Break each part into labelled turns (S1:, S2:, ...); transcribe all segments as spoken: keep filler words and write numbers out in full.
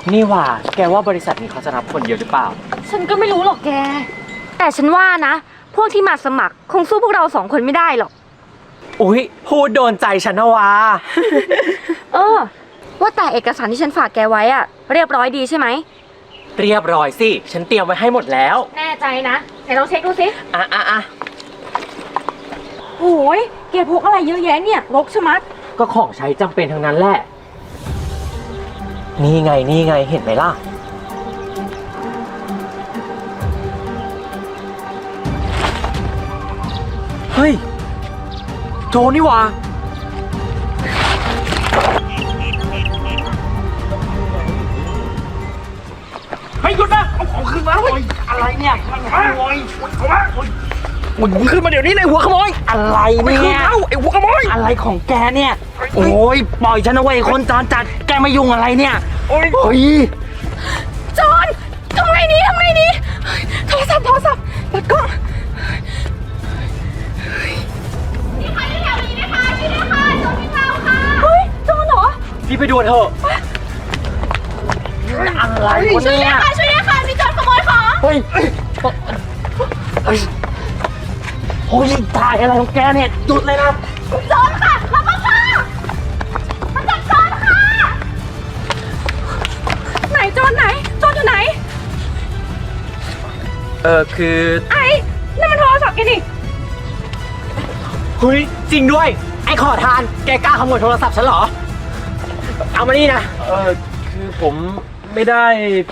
S1: นี่ว่าแกว่าบริษัทนี้เขาจะรับคนเยอะหรือเปล่า
S2: ฉันก็ไม่รู้หรอกแกแต่ฉันว่านะพวกที่มาสมัครคงสู้พวกเราสองคนไม่ได้หรอก
S1: อุ๊ยพูดโดนใจฉันนะวะ
S2: เออว่าแต่เอกสารที่ฉันฝากแกไว้อะเรียบร้อยดีใช่ไหม
S1: เรียบร้อยสิฉันเตรียมไว้ให้หมดแล้ว
S2: แน่ใจนะไหนลองเช็คดูสิ
S1: อ่ะอ่ะอ่ะ
S2: โอ้ยแกพกอะไรเยอะแยะเนี่ยรกชะมัด
S1: ก็ของใช้จำเป็นทั้งนั้นแหละนี่ไงนี่ไงเห็นไหมล่ะเฮ้ยโจนี่วะเฮ้ยหยุดนะเอาของขึ้นมาเลยอะไรเนี่ยมันขโมยเอามามึงขึ้นมาเดี๋ยวนี้เลยหัวขโมยอะไรเนี่ยเอ้าไอ้หัวขโมยอะไรของแกเนี่ยโอ้ยปล่อยฉันเอาไว้คนจรจัดแกมายุ่งอะไรเนี่ยโอ้ยโอ้ย
S2: จอนทำไงดีทำไงดีโทรศัพท์โทรศัพท์เปิดกล้องมีใครอยู่แถวนี้ไหมคะช่วยด้วยค่ะโจรวิ่งเราค่ะเฮ้ยโจรเหรอ
S1: พี่ไปดูเถอะอะไรวะเนี่ย
S2: ช่วยด้วยค่ะช่วยด้วยค่ะมีโจรขโมยของ
S1: เฮ้ยโอ้ยถ่ายอะไรของแกเนี่ยหยุดเลยนะ
S2: โจรค่ะรับมาค่ะมาจับโจรค่ะไหนโจรไหนโจรอยู่ไหน
S1: เออคือ
S2: ไอ้นั่นมันโทรศัพท์แกนี่
S1: เฮ้ยจริงด้วยไอ้ขอทานแกกล้าขโมยโทรศัพท์ฉันเหรอเอามานี่นะเออคือผมไม่ได้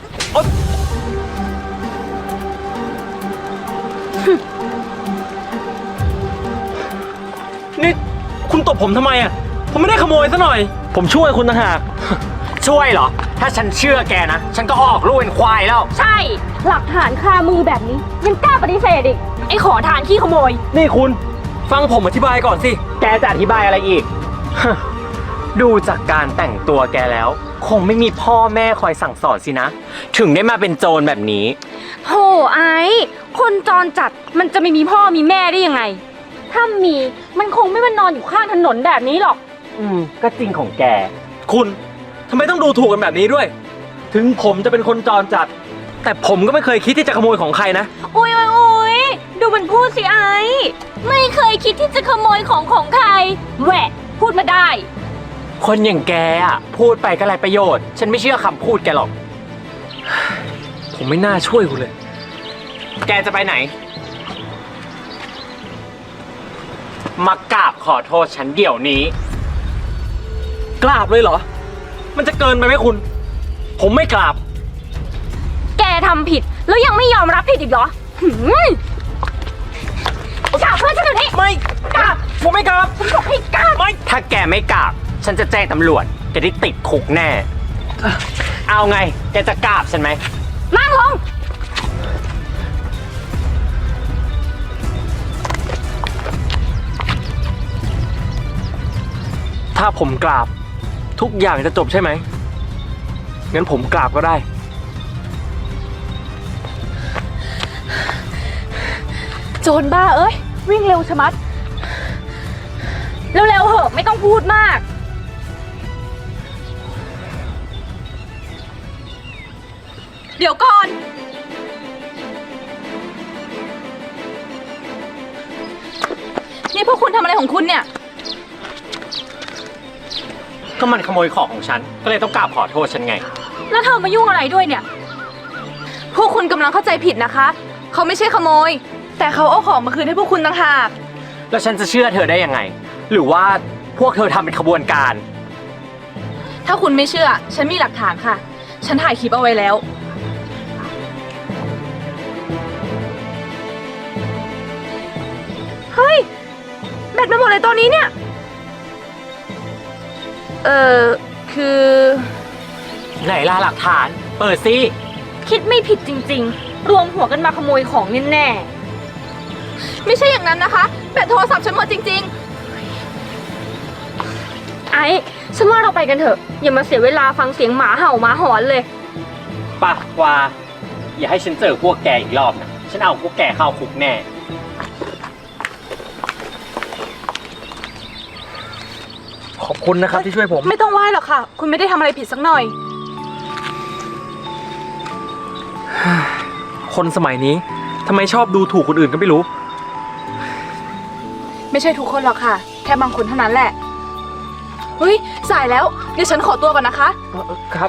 S1: นี่คุณตบผมทำไมอ่ะผมไม่ได้ขโมยซะหน่อยผมช่วยคุณต่างหากช่วยเหรอถ้าฉันเชื่อแกนะฉันก็ออกลูกเป็นควายแล้ว
S2: ใช่หลักฐานคามือแบบนี้ยังกล้าปฏิเสธอีกไอ้ขอทานขี้ขโมย
S1: นี่คุณฟังผมอธิบายก่อนสิแกจะอธิบายอะไรอีก ดูจากการแต่งตัวแกแล้วคงไม่มีพ่อแม่คอยสั่งสอนสินะถึงได้มาเป็นโจรแบบนี้
S2: โธ่ไอ้คนจรจัดมันจะไม่มีพ่อมีแม่ได้ยังไงถ้ามีมันคงไม่มานอนอยู่ข้างถนนแบบนี้หรอก
S1: อืมก็จริงของแกคุณทำไมต้องดูถูกกันแบบนี้ด้วยถึงผมจะเป็นคนจรจัดแต่ผมก็ไม่เคยคิดที่จะขโมยของใครนะ
S2: อุ้ยอุ้ยอุ้ยดูมันพูดสิไอ้ไม่เคยคิดที่จะขโมยของของใครแหวะพูดมาได้
S1: คนอย่างแกอ่ะพูดไปก็ไรประโยชน์ฉันไม่เชื่อคำพูดแกหรอกผมไม่น่าช่วยคุณเลยแกจะไปไหนมากราบขอโทษฉันเดี๋ยวนี้กราบเลยเหรอมันจะเกินไปไหมคุณผมไม่กราบ
S2: แกทำผิดแล้วยังไม่ยอมรับผิดอีกเหรอหืมกราบเพื่อนฉันเดี๋ยวนี้
S1: ไม่กราบผมไม่กราบ
S2: ผมบอกให้กราบ
S1: ไม่ถ้าแกไม่กราบฉันจะแจ้งตำรวจจะได้ติดคุกแน่เอาไงแกจะกราบฉันไหม
S2: นั่งลง
S1: ถ้าผมกราบทุกอย่างจะจบใช่ไหมงั้นผมกราบก็ได้
S2: โจรบ้าเอ้ยวิ่งเร็วชะมัดเร็วๆเหอะไม่ต้องพูดมากเดี๋ยวก่อนนี่พวกคุณทำอะไรของคุณเนี่ย
S1: ก็มันขโมยของของฉันก็เลยต้องกราบขอโทษฉันไง
S2: แล้วเธอมายุ่งอะไรด้วยเนี่ยพวกคุณกำลังเข้าใจผิดนะคะเขาไม่ใช่ขโมยแต่เขาเอาของมาคืนให้พวกคุณต่างหาก
S1: แล้วฉันจะเชื่อเธอได้ยังไงหรือว่าพวกเธอทำเป็นขบวนการ
S2: ถ้าคุณไม่เชื่อฉันมีหลักฐานค่ะฉันถ่ายคลิปเอาไว้แล้วเฮ้ยแบตมันหมดเลยตอนนี้เนี่ยเออคือ
S1: ไหนล่ะหลักฐานเปิดสิ
S2: คิดไม่ผิดจริงๆรวมหัวกันมาขโมยของแน่ๆไม่ใช่อย่างนั้นนะคะแบตโทรศัพท์ฉันหมดจริงๆไอ้ฉันว่าเราไปกันเถอะอย่ามาเสียเวลาฟังเสียงหมาเห่าหมาหอนเลย
S1: ปะวาอย่าให้ฉันเจอพวกแกอีกรอบนะฉันเอาพวกแกเข้าคุกแน่ ขอบคุณนะครับที่ช่วยผม
S2: ไม่ต้องไหว้หรอกค่ะคุณไม่ได้ทำอะไรผิดสักหน่อย
S3: คนสมัยนี้ทำไมชอบดูถูกคนอื่นก็ไม่รู้
S4: ไม่ใช่ทุกคนหรอกค่ะ แค่บางคนเท่านั้นแหละ เฮ้ย สายแล้ว เดี๋ยวฉันขอตัวก่อนนะคะ
S3: ครับ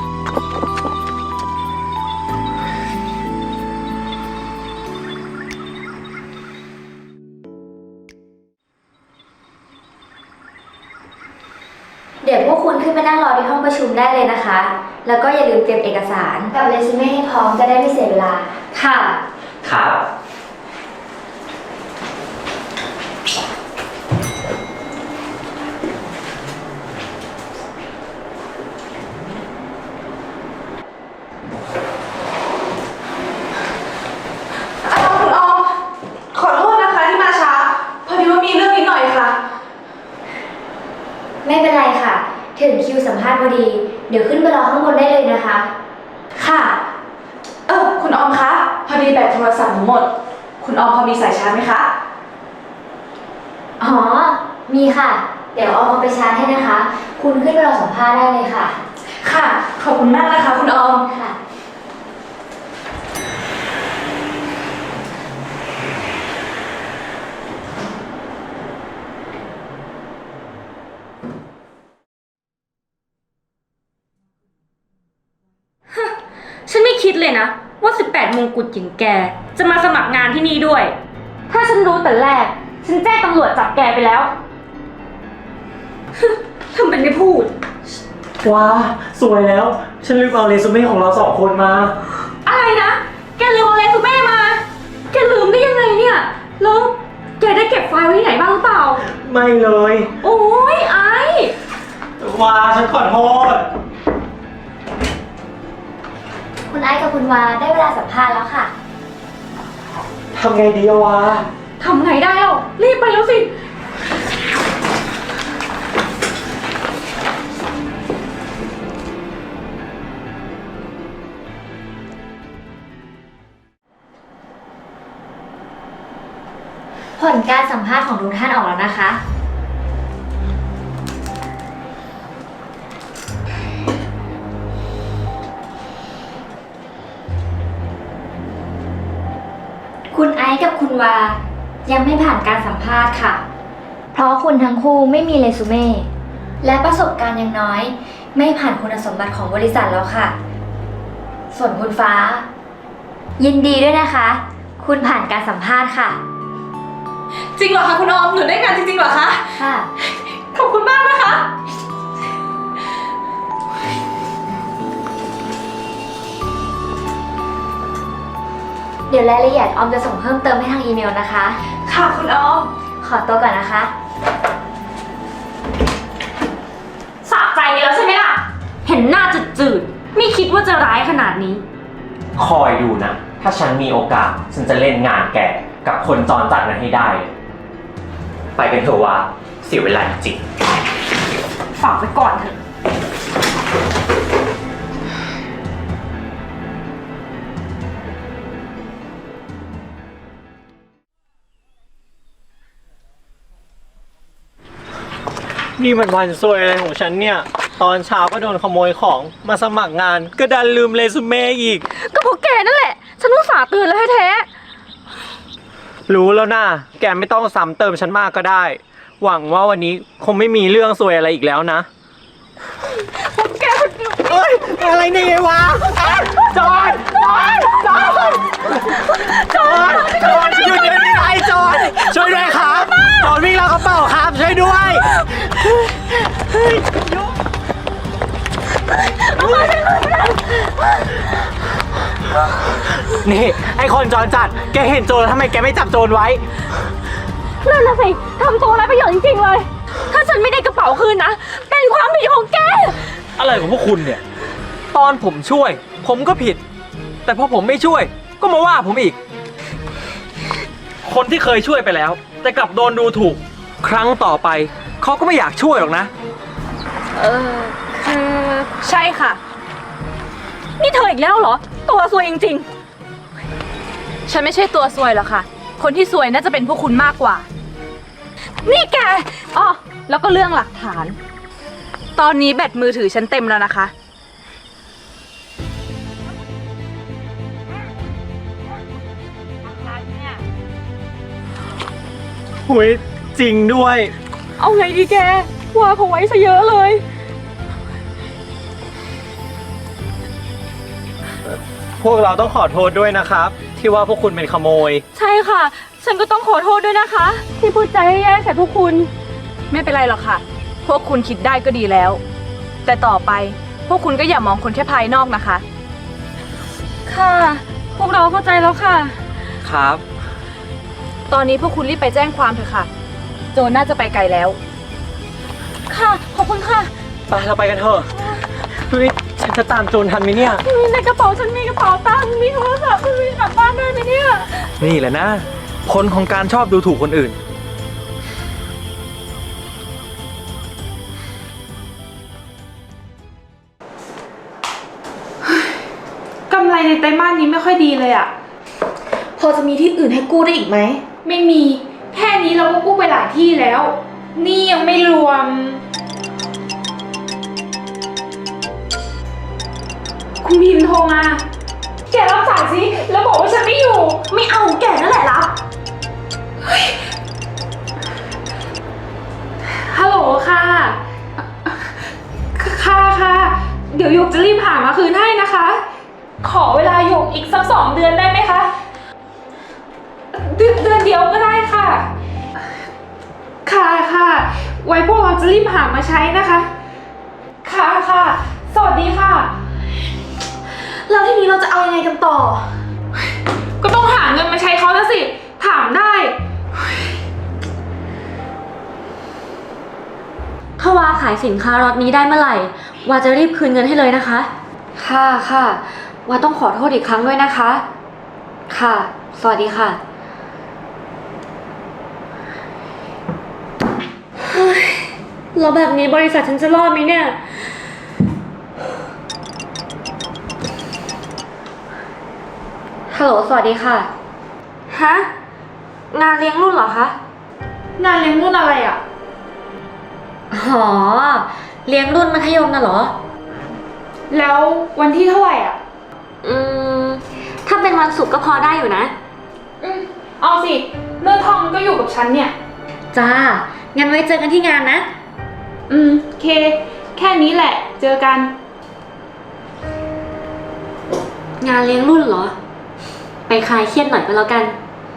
S5: เดี๋ยวพวกคุณขึ้นไปนั่งรอที่ห้องประชุมได้เลยนะคะ แล้วก็อย่าลืมเตรียมเอกสารกับเรซูเม่ให้พร้อมจะได้ไม่เสียเวลา ค่ะ
S3: ครับ
S4: อ้าวคุณออม ขอโทษนะคะที่มาช้า พอดีว่ามีเรื่องนิดหน่อยค่ะ
S5: ไม่เป็นไรค่ะ ถึงคิวสัมภาษณ์พอดี เดี๋ยวขึ้นไปรอข้างบนได้เลยนะคะ
S4: ค่ะ เออคุณออมคะ พอดีแบตโทรศัพท์หนูหมด คุณออมพอมีสายชาร์จไหมคะ
S5: อ๋อ มีค่ะ เดี๋ยวเอามาไปชาร์จให้นะคะ คุณขึ้นไปรอสัมภาษณ์ได้เลยค่ะ
S4: ค่ะ ขอบคุณมากนะคะคุณออม
S5: ค่ะ
S2: ฉันไม่คิดเลยนะว่าสิบแปดมงกุฎอย่างแกจะมาสมัครงานที่นี่ด้วย ถ้าฉันรู้แต่แรก ฉันแจ้งตำรวจจับแกไปแล้ว ทำเป็นไม่พูด
S3: ว้า สวยแล้ว ฉันลืมเอาเรซูเม่ของเราสองคนมา
S2: อะไรนะ แกลืมเอาเรซูเม่มา แกลืมได้ยังไงเนี่ย แล้วแกได้เก็บไฟล์ไว้ที่ไหนบ้างหรือเปล่า
S3: ไม่เลย
S2: โอ้ยไอ้
S3: ว้า ฉันขอโทษ
S5: คุณไอซ์กับคุณวาได้เวลาสัมภาษณ์แล้วค่ะ
S3: ทำไงดีอะวะ
S2: ทำไงได้แล้วรีบไปแล้วสิ
S5: ผลการสัมภาษณ์ของทุกท่านออกแล้วนะคะ คุณไอซ์กับคุณวายังไม่ผ่านการสัมภาษณ์ค่ะ เพราะคุณทั้งคู่ไม่มีเรซูเม่และประสบการณ์ยังน้อย ไม่ผ่านคุณสมบัติของบริษัทแล้วค่ะ ส่วนคุณฟ้า ยินดีด้วยนะคะ คุณผ่านการสัมภาษณ์ค่ะ
S4: จริงเหรอคะคุณออม หนูได้งานจริงๆเหรอคะ
S5: ค่ะ
S4: ขอบคุณมากนะคะ
S5: เดี๋ยวรายละเอียดออมจะส่งเพิ่มเติมให้ทางอีเมลนะคะ
S4: ค่ะคุณออม
S5: ขอตัวก่อนนะคะ
S2: สะใจแล้วใช่ไหมล่ะ เห็นหน้าจืดๆ ไม่คิดว่าจะร้ายขนาดนี้
S6: คอยดูนะ ถ้าฉันมีโอกาส ฉันจะเล่นงานแกกับคนจรจัดนั้นให้ได้เลยไปกันเถอะว่าเสียเวลาจริง
S2: ฝากไว้ก่อนเถอะ
S3: นี่มันวันซวยอะไรของฉันเนี่ย ตอนเช้าก็โดนขโมยของ มาสมัครงาน ก็ดันลืมเรซูเม่อีก
S2: ก็เพราะแกนั่นแหละ ฉันอุตส่าห์เตือนแล้วแท้
S3: รู้แล้วนะแกไม่ต้องซ้ำเติมฉันมากก็ได้ หวังว่าวันนี้คงไม่มีเรื่องซวยอะไรอีกแล้วนะ
S2: ๆแก
S3: เอ้ย อะไรเนี่ยวะจอนจอนจอนจอนจอนหยุดเดี๋ยวนี้ไอ้จอนช่วยด้วยครับจอนวิ่งแล้วกระเป๋าครับช่วยด้วยเฮ้ยยุนี่ไอ้คนจอนจัดแกเห็นโจรแล้วทำไมแกไม่จับโจรไว้
S2: นั่นน่ะสิทำตัวไร้ประโยชน์จริงๆเลย ถ้าฉันไม่ได้กระเป๋าคืนนะ เป็นความผิดของแก
S3: อะไรของพวกคุณเนี่ย ตอนผมช่วย ผมก็ผิด แต่พอผมไม่ช่วย ก็มาว่าผมอีก คนที่เคยช่วยไปแล้ว แต่กลับโดนดูถูก ครั้งต่อไป เขาก็ไม่อยากช่วยหรอกนะ
S2: เออคือใช่ค่ะ นี่เธออีกแล้วเหรอ ตัวซวยจริง
S4: ฉันไม่ใช่ตัวซวยหรอกค่ะ คนที่ซวยน่าจะเป็นพวกคุณมากกว่า
S2: ๆ นี่แก
S4: อ๋อ แล้วก็เรื่องหลักฐาน ตอนนี้แบตมือถือฉันเต็มแล้วนะคะ
S3: หุยจริงด้วย
S2: เอาไงดีแกว่าเขาไว้ซะเยอะเลย
S3: พวกเราต้องขอโทษด้วยนะครับ ที่ว่าพวกคุณเป็นขโมย
S2: ใช่ค่ะ ฉันก็ต้องขอโทษด้วยนะคะ ที่พูดใจแย่ๆใส่พวกคุณ
S4: ไม่เป็นไรหรอกค่ะ พวกคุณคิดได้ก็ดีแล้ว แต่ต่อไปพวกคุณก็อย่ามองคนแค่ภายนอกนะคะ
S2: ค่ะ พวกเราเข้าใจแล้วค่ะ
S3: ครับ
S4: ตอนนี้พวกคุณรีบไปแจ้งความเถอะค่ะ โจรน่าจะไปไกลแล้ว
S2: ค่ะ ขอบคุณค่ะ
S3: ไปเราไปกันเถอะเฮ้ยฉันจะตามโจรทันไหมเนี่ย
S2: ในกระเป๋าฉันมีกระเป๋าตังค์มีโทรศัพท์มีกลับบ้านได้ไหมเนี่ย
S3: นี่แหละนะ ผลของการชอบดูถูกคนอื่น
S7: กำไรในไตรมาสนี้ไม่ค่อยดีเลยอะ
S4: พอจะมีที่อื่นให้กู้ได้อีกไหม
S7: ไม่มี แค่นี้เราก็กู้ไปหลายที่แล้ว นี่ยังไม่รวม คุณพิมพ์โทรมา แกรับสายสิ แล้วบอกว่าฉันไม่อยู่
S4: ไม่เอาแกนั่นแหละรับ
S7: ฮัลโหลค่ะ ค่ะค่ะ เดี๋ยวหยกจะรีบหามาคืนให้นะคะ ขอเวลาหยกอีกสักสองเดือนได้ไหมคะ เดือนเดือนเดียวก็ได้ค่ะ ค่ะค่ะ ไว้พวกเราจะรีบหามาใช้นะคะ ค่ะค่ะ สวัสดีค่ะ
S4: แล้วทีนี้เราจะเอายังไงกันต่อ
S7: ก็ต้องหาเงินมาใช้เขาแล้วสิ ถามได้
S2: ถ้าวาขายสินค้ารถนี้ได้เมื่อไหร่ วาจะรีบคืนเงินให้เลยนะคะ ค่ะค่ะ วาต้องขอโทษอีกครั้งด้วยนะคะ ค่ะ สวัสดีค่ะแล้วแบบนี้บริษัทฉันจะรอดไหมเนี่ย ฮัลโหล สวัสดีค่ะ ฮะ งานเลี้ยงรุ่นเหรอคะ
S7: งานเลี้ยงรุ่นอะไรอ่ะ
S2: อ๋อ เลี้ยงรุ่นมัธยมน่ะเหรอ
S7: แล้ววันที่เท่าไหร่อ่ะ
S2: อืม ถ้าเป็นวันศุกร์ก็พอได้อยู่นะ
S7: อืมเอาสิเนื้อทองมันก็อยู่กับฉันเนี่ย
S2: จ้า งั้นไว้เจอกันที่งานนะ
S7: อืมเค แค่นี้แหละ เจอกัน
S2: งานเลี้ยงรุ่นเหรอ ไปคลายเครียดหน่อยก็แล้วกัน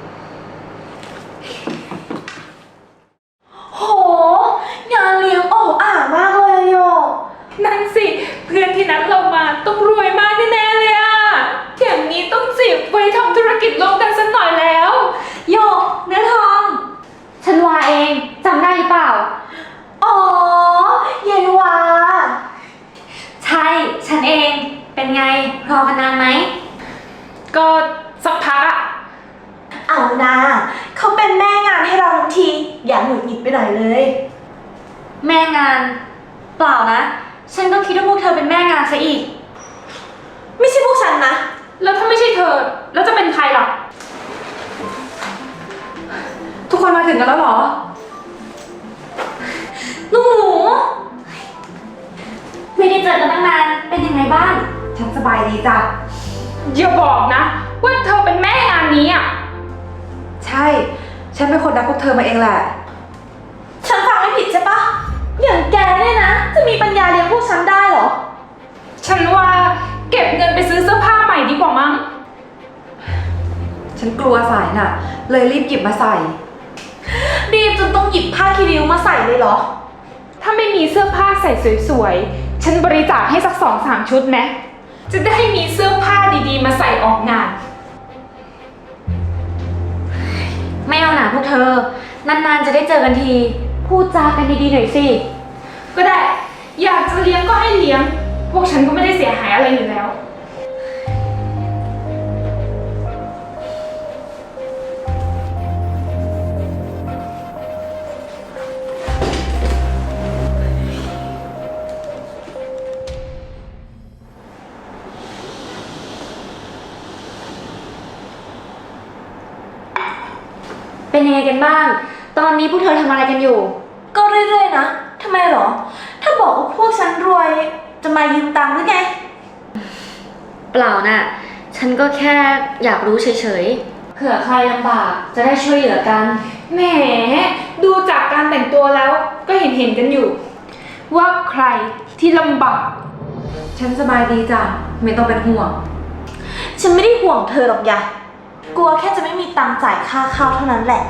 S4: โห งานเลี้ยงโอ้อ่ามากเลยโย
S7: นั่นสิ เพื่อนที่นัดเรามาต้องรวยมากแน่ๆเลยอะอย่างนี้ต้องจีบไว้ทำธุรกิจร่วมกันสักหน่อยแล้ว
S2: โยกเนื้อทอง ฉันวาเองจำได้หรือเปล่า
S4: อ๋อยายวา
S2: ใช่ ฉันเอง เป็นไง รอกันนานไหม
S7: ก็สักพักอะ
S4: เอานะเขาเป็นแม่งานให้เราทันที อย่าหงุดหงิดไปหน่อยเลย
S2: แม่งาน เปล่านะ ฉันก็คิดว่าพวกเธอเป็นแม่งานซะอีก
S4: ไม่ใช่พวกฉันนะ
S7: แล้วถ้าไม่ใช่เธอ แล้วจะเป็นใครล่ะ
S4: ทุกคนมาถึงกันแล้วเหรอ
S2: ลูกหมู ไม่ได้เจอกันตั้งนาน เป็นยังไงบ้าง
S4: ฉันสบายดีจ้ะ
S7: อย่าบอกนะ ว่าเธอเป็นแม่งานนี้อะ
S4: ใช่ ฉันเป็นคนนัดพวกเธอมาเองแหละ ฉันฟังไม่ผิดใช่ปะ อย่างแกเนี่ยนะ จะมีปัญญาเลี้ยงพวกฉันได้เหรอ
S7: ฉันว่าเก็บเงินไปซื้อเสื้อผ้าใหม่ดีกว่ามั้ง
S4: ฉันกลัวสายน่ะ เลยรีบหยิบมาใส่ รีบจนต้องหยิบผ้าคีริ้วมาใส่เลยเหรอ
S7: ถ้าไม่มีเสื้อผ้าใส่สวยๆ ฉันบริจาคให้สักสองสามชุดไหมจะได้มีเสื้อผ้าดีๆ มาใส่ออกงาน
S2: ไม่เอาหนาพวกเธอ นานๆจะได้เจอกันที พูดจากันดีๆหน่อยสิ
S7: ก็ได้ อยากจะเลี้ยงก็ให้เลี้ยง พวกฉันก็ไม่ได้เสียหายอะไรอยู่แล้ว
S2: เป็นยังไงกันบ้าง ตอนนี้พวกเธอทำอะไรกันอยู่
S4: ก็เรื่อยๆนะ ทำไมเหรอ ถ้าบอกว่าพวกฉันรวย จะมายืมตังค์หรือไง
S2: เปล่าน่ะ ฉันก็แค่อยากรู้เฉยๆ เผื่อใครลำบากจะได้ช่วยเหลือกัน
S7: แหมดูจากการแต่งตัวแล้วก็เห็นเห็นๆกันอยู่ ว่าใครที่ลำบาก
S4: ฉันสบายดีจ้ะ ไม่ต้องเป็นห่วง
S8: ฉันไม่ได้ห่วงเธอหรอกยะกลัวแค่จะไม่มีตังค์จ่ายค่าข้าวเท่านั้นแหละ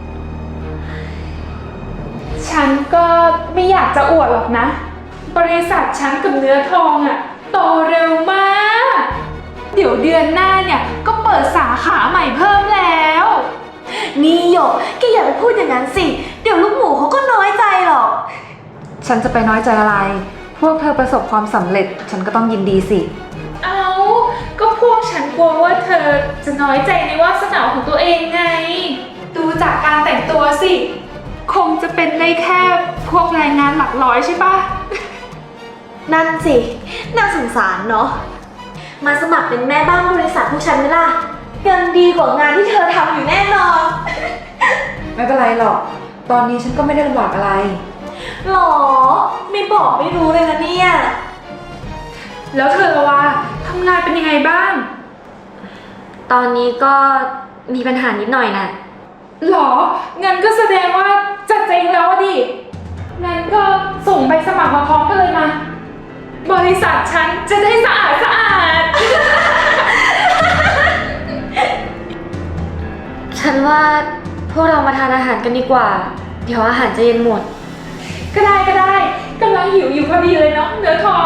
S7: ฉันก็ไม่อยากจะอวดหรอกนะ บริษัทฉันกับเนื้อทองอะโตเร็วมาก เดี๋ยวเดือนหน้าเนี่ยก็เปิดสาขาใหม่เพิ่มแล้ว
S8: นี่หยกแกอย่าไปพูดอย่างนั้นสิ เดี๋ยวลูกหมูเขาก็น้อยใจหรอก
S4: ฉันจะไปน้อยใจอะไร พวกเธอประสบความสำเร็จ ฉันก็ต้องยินดีสิ
S7: เอาก็พวกฉันกลัวว่าเธอจะน้อยใจในวาสนาของตัวเองไง ดูจากการแต่งตัวสิ คงจะเป็นได้แค่พวกแรงงานหลักร้อยใช่ปะ
S8: นั่นสิ น่าสงสารเนาะ มาสมัครเป็นแม่บ้านบริษัทพวกฉันไหมล่ะเงินดีกว่างานที่เธอทำอยู่แน่นอน
S4: ไม่เป็นไรหรอก ตอนนี้ฉันก็ไม่ได้ลำบากอะไร
S8: หรอ ไม่บอกไม่รู้เลยนะเนี่ย
S7: แล้วเธอละว่าทำงานเป็นยังไงบ้าง
S2: ตอนนี้ก็มีปัญหานิดหน่อยน่ะ
S7: หรอ งั้นก็แสดงว่าจะเจ๊งแล้วอะดิ งั้นก็ส่งใบสมัครมาพร้อมกันเลยมา บริษัทฉันจะได้สะอาดสะอาด
S2: ฉันว่าพวกเรามาทานอาหารกันดีกว่า เดี๋ยวอาหารจะเย็นหมด
S7: ก็ได้ก็ได้กำลังหิวอยู่พอดีเลยเนาะเนื้อทอง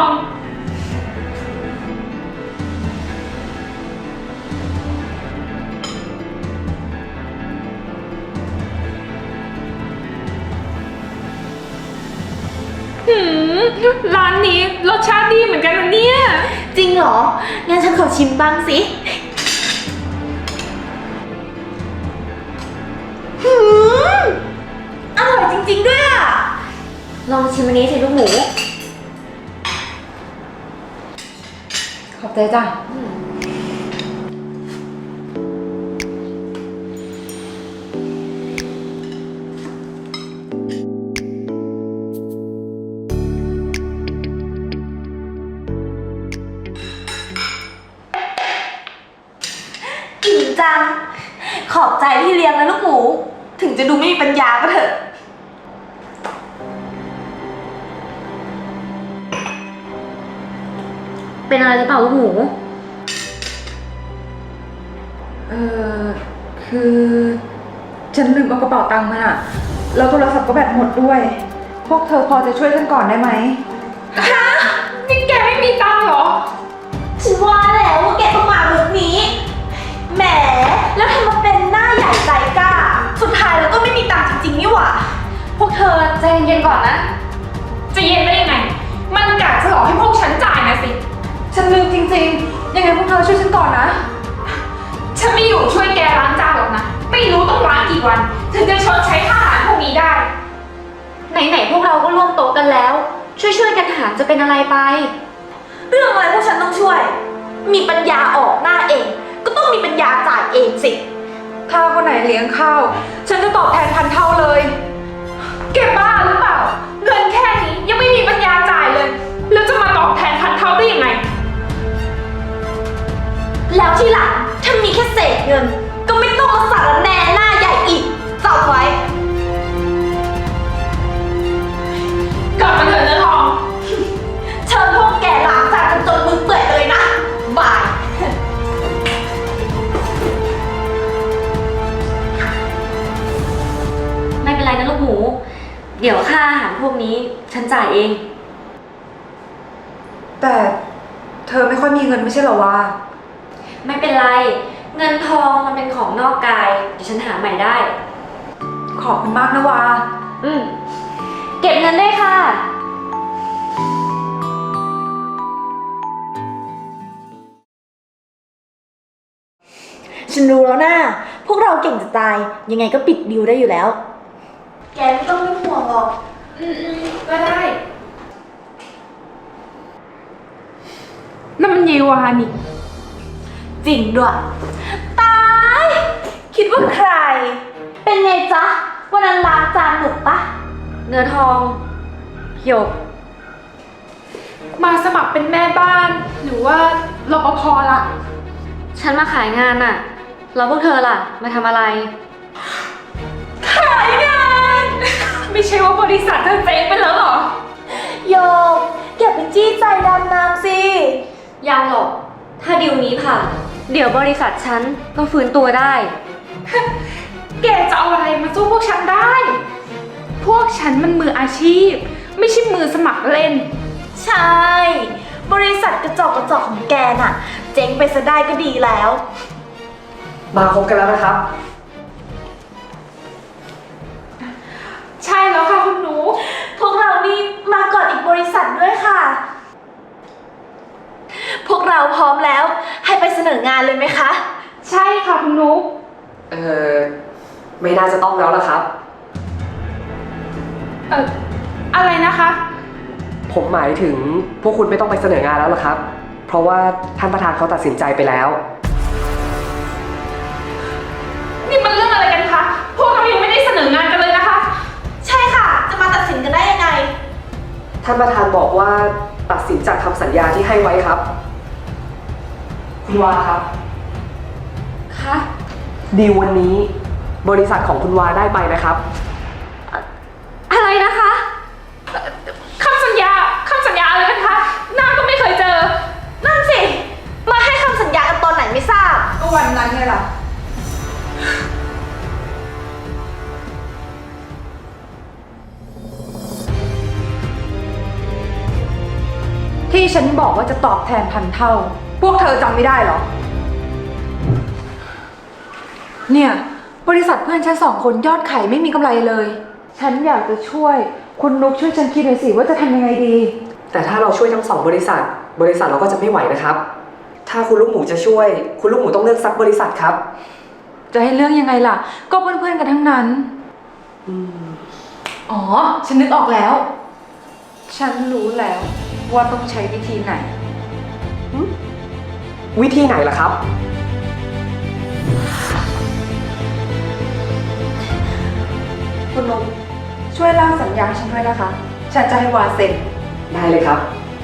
S7: หืม ร้านนี้รสชาติดีเหมือนกันนะเนี่ย
S8: จริงเหรอ งั้นฉันขอชิมบ้างสิ หืม อร่อยจริงๆด้วยอ่ะ
S2: ลองชิมอันนี้สิลูกหมู
S4: ขอบใจจ้ะ
S8: อิ่มจัง ขอบใจที่เลี้ยงนะลูกหมู ถึงจะดูไม่มีปัญญาก็เถอะ
S2: เป็นอะไรหรือเปล่าลูกหมู
S4: เออคือ ฉันลืมเอากระเป๋าตังค์มาอะแล้วโทรศัพท์ก็แบตหมดด้วย พวกเธอพอจะช่วยฉันก่อนได้ไหม
S7: ฮะ นี่แกไม่มีตังค์เหรอ
S8: ฉันว่าแล้วว่าแกต้องมาลุกนี้ แหม แล้วทำมาเป็นหน้าใหญ่ใจกล้า สุดท้ายแล้วก็ไม่มีตังค์จริงๆนี่หว่า
S2: พวกเธอใจเย็นๆก่อนนะ
S7: จะเย็นได้ยังไง มันกะจะหลอกให้พวกฉันจ่ายนะสิ
S4: ฉันลืมจริงๆ ยังไงพวกเธอช่วยฉันก่อนนะ
S7: ฉันไม่อยู่ช่วยแกล้างจานหรอกนะ ไม่รู้ต้องล้างกี่วัน ถึงจะชดใช้ค่าอาหารพวกนี้ได้
S2: ไหนๆพวกเราก็ร่วมโต๊ะกันแล้ว ช่วยๆกันหารจะเป็นอะไรไป
S8: เรื่องอะไรพวกฉันต้องช่วย มีปัญญาออกหน้าเอง ก็ต้องมีปัญญาจ่ายเองสิ
S4: ถ้าคนไหนเลี้ยงข้าว ฉันจะตอบแทนพันเท่าเลย
S7: แกบ้าหรือเปล่า เงินแค่นี้ยังไม่มีปัญญาจ่ายเลย แล้วจะมาตอบแทนพันเท่าได้ยังไง
S8: แล้วที่หลังถ้ามีแค่เศษเงิน ก็ไม่ต้องมาสารแหน่หน้าใหญ่อีกจำไว้
S7: กลับมาเถอะเนื้อทอง
S8: เชิญพวกแกล้างจานกันจนมือเปื่อยเลยนะ บาย
S2: ไม่เป็นไรนะลูกหมู เดี๋ยวค่าอาหารพวกนี้ฉันจ่ายเอง
S4: แต่เธอไม่ค่อยมีเงินไม่ใช่เหรอวะ
S2: ไม่เป็นไร เงินทองมันเป็นของนอกกาย เดี๋ยวฉันหาใหม่ได้
S4: ขอบคุณมากนะวา
S2: อืม เก็บเงินได้วยค่ะ
S8: ฉันรู้แล้วนะพวกเราเก่งจะตาย ยังไงก็ปิดดิวได้อยู่แล้ว แกไม่ต้องเป็นห่วงหรอก
S7: อืมๆก็ได้ นั่นมันเยวานี่
S8: จริงด้วย ตาย คิดว่าใคร เป็นไงจ๊ะ วันนั้นล้างจานหนุกปะ
S2: เนื้อทองหยก
S7: มาสมัครเป็นแม่บ้าน หรือว่ารปภล่ะ
S2: ฉันมาขายงานน่ะ แล้วพวกเธอล่ะ มาทำอะไร
S8: ข
S7: ขายงาน ไม่ใช่ว่าบริษัทเธอเจ๊งไปแล้วเหรอ
S8: โยกอย่าไปจี้ใจดำน้ำสิ
S2: ยังหรอก ถ้าดีลนี้ผ่าน เดี๋ยวบริษัทฉันก็ฟื้นตัวได้
S7: แกจะเอาอะไรมาสู้พวกฉันได้ พวกฉันมันมืออาชีพ ไม่ใช่มือสมัครเล่น
S8: ใช่ บริษัทกระจอกกระจอกของแกน่ะ เจ๊งไปซะได้ก็ดีแล้ว
S9: มาคบกันแล้วนะครับ
S7: ใช่แล้วค่ะคุณหนู
S8: พวกเรานี่มาก่อนอีกบริษัทด้วยค่ะ พวกเราพร้อมแล้วให้ไปเสนองานเลยไหมคะ
S7: ใช่ค่ะคุณหนู
S9: เออไม่น่าจะต้องแล้วล่ะครับ
S7: เอ่อ อะไรนะคะ
S9: ผมหมายถึงพวกคุณไม่ต้องไปเสนองานแล้วล่ะครับ เพราะว่าท่านประธานเขาตัดสินใจไปแล้ว
S7: นี่มันเรื่องอะไรกันคะ พวกเรายังไม่ได้เสนองานกันเลยนะคะ
S8: ใช่ค่ะ จะมาตัดสินกันได้ยังไง
S9: ท่านประธานบอกว่าตัดสินจากคำสัญญาที่ให้ไว้ครับ คุณวาครับ
S2: คะ
S9: ดีลวันนี้บริษัทของคุณวาได้ไปนะครับ
S2: อะไรนะคะ
S7: คำสัญญา คำสัญญาอะไรกันคะหน้าก็ไม่เคยเจอ
S8: นั่นสิ มาให้คำสัญญากันตอนไหนไม่ทราบ
S4: ก็วันนั้นไงล่ะ ที่ฉันบอกว่าจะตอบแทนพันเท่า พวกเธอจำไม่ได้เหรอ เนี่ย บริษัทเพื่อนฉันสองคนยอดขายไม่มีกำไรเลย ฉันอยากจะช่วย คุณนุกช่วยฉันคิดหน่อยสิว่าจะทำยังไงดี
S9: แต่ถ้าเราช่วยทั้งสองบริษัท บริษัทเราก็จะไม่ไหวนะครับ ถ้าคุณลูกหมูจะช่วย คุณลูกหมูต้องเลือกสักบริษัทครับ
S4: จะให้เรื่องยังไงล่ะ ก็เพื่อนๆกันทั้งนั้น อ๋อ ฉันนึกออกแล้ว ฉันรู้แล้วว่าต้องใช้วิธีไหน
S9: วิธีไหนล่ะครับ
S4: คุณนุ๊กช่วยร่างสัญญาฉันด้วยนะคะ ฉันจะให้วาเซ็น
S9: ได้เลยครับ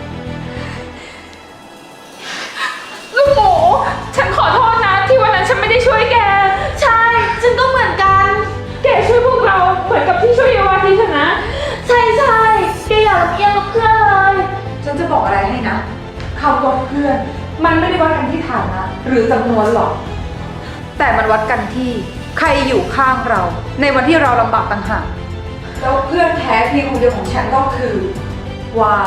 S7: ลูกหมู ฉันขอโทษนะที่วันนั้นฉันไม่ได้ช่วยแก
S8: ใช่ ฉันก็เหมือนกัน
S7: แกช่วยพวกเราเหมือนกับที่ช่วยเยาวาทีฉันนะ
S8: ใช่ใช่แกอย่าลำเอียงกับเพื่อนเลย
S4: ฉันจะบอกอะไรให้นะคำว่าเพื่อน มันไม่ได้วัดกันที่ฐานะหรือจำนวนหรอก แต่มันวัดกันที่ใครอยู่ข้างเรา ในวันที่เราลำบากต่างหากแล้วเพื่อนแท้เพียงคนเดียวของฉันก็คือวา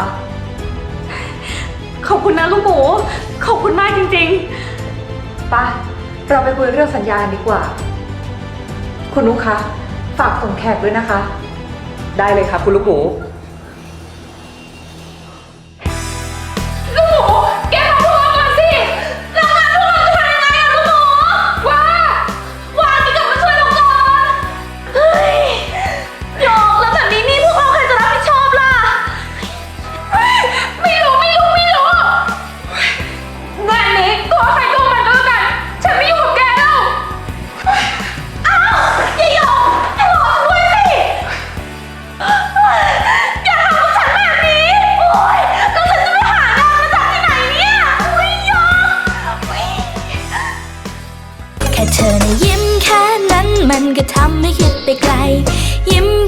S2: ขอบคุณนะลูกหมู ขอบคุณมากจริง
S4: ไปเราไปคุยเรื่องสัญญากันดีกว่า คุณนุ๊กคะฝากส่งแขกด้วยนะคะ
S9: ได้เลยครับคุณลูกหมู
S7: ลูกหมู แกมาพวกเราก่อนสิแล้วงานพวกเราจะทำยังไงอะลูกหมูว้า
S8: วาที่กลับมาช่วยเราก่อน เฮ้ยโยกแล้วแบบนี้นี่พวกเราใครจะรับผิดชอบล่ะ
S7: ไม่รู้ไม่รู้ไม่รู้งานนี้ตัวใครตัวมันก็แล้วกัน ฉันไม่อยู่กับแกแล้ว
S8: อ้าวอย่าโยกให้รอฉันด้วยสิ อย่าทำกับฉันแบบนี้ โอ๊ยแล้วฉันจะไปหางานมาจากที่ไหนเนี่ยอุ๊ยโยกอุ๊ย
S10: แค่เธอนะยิ้มแค่นั้นมันก็ทำให้คิดไปไกล ยิ้ม